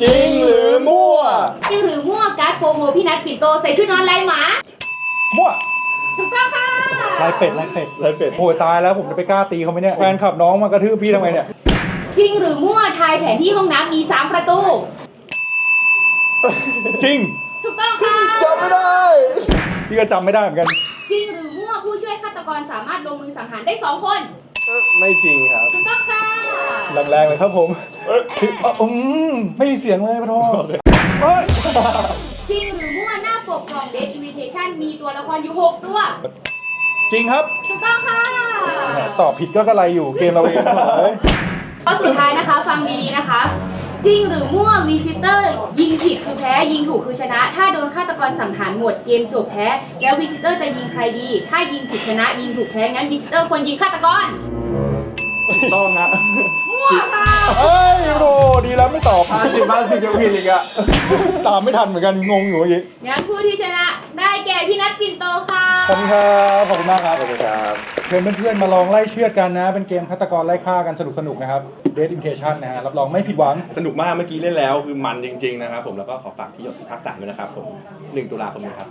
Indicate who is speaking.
Speaker 1: จริงหรือมั่ว
Speaker 2: จริงหรือมั่วการ์ดโปรโมพี่นัทปิ่นโตใส่ชุดนอนลายหมา
Speaker 3: มั่ว
Speaker 2: ถูกต้องค่ะ
Speaker 3: ลายเป็ดโอ้ยตายแล้วผมจะไปกล้าตีเขาไหมเนี่ยแฟนขับน้องมากระทืบพี่ทำไมเนี่ย
Speaker 2: จริงหรือมั่วทายแผนที่ห้องน้ำมี3ประตู
Speaker 3: จริง
Speaker 2: ถูกต้องค่ะ
Speaker 1: จำไม่ได้
Speaker 3: พี่ก็จำไม่ได้เหมือนกัน
Speaker 2: จริงหรือมั่วผู้ช่วยฆาตกรสามารถลงมือสังหารได้2 คน
Speaker 1: ไม่จริงครับ
Speaker 2: ถูกต้องค่ะ
Speaker 3: แรงๆเลยครับผมไม่มีเสียงเลยปะโทเอ้ย
Speaker 2: จริงหรือมั่วหน้าปกกล่อง Death Invitation มีตัวละครอยู่6 ตัว
Speaker 3: จริงครับ
Speaker 2: ถูกต้องค่ะ
Speaker 3: แหมตอบผิดก็กระไรอยู่เกมเราเองเลย
Speaker 2: ข้อสุดท้ายนะคะฟังดีๆนะคะ จริงหรือมั่ววิซิเตอร์ยิงผิดคือแพ้ยิงถูกคือชนะ ถ้าโดนฆาตกรสังหารหมดเกมจบแพ้ แล้ววิซิเตอร์จะยิงใครดี ถ้ายิงผิดชนะยิงถูกแพ้งั้นวิซิเตอร์ควรยิงฆาตกร
Speaker 1: ต้องฮะ
Speaker 2: มั่วค่ะ
Speaker 3: เอ้ยโรดีแล้วไม่ตอบ
Speaker 1: 50 จะผิดอีกอะ
Speaker 3: ตามไม่ทันเหมือนกันงงอยู่เมื่อกี้
Speaker 2: งั้นผู้ที่ชนะได้แก่พี่นัทปิ่นโตค่ะ
Speaker 3: ขอบคุณครับขอบคุณมากครับ
Speaker 1: ขอบคุณครับ
Speaker 3: เชิญเพื่อนๆมาลองไล่เชือดกันนะ เป็นเกมฆาตกรไล่ฆ่ากันสนุกๆนะครับ Death Invitation นะฮะรับรองไม่ผิดหวัง
Speaker 1: สนุกมากเมื่อกี้เล่นแล้วคือมันจริงๆนะครับผมแล้วก็ขอฝากที่หยดภาค 3ด้วยนะครับผม1 ตุลาคมนี้ครับ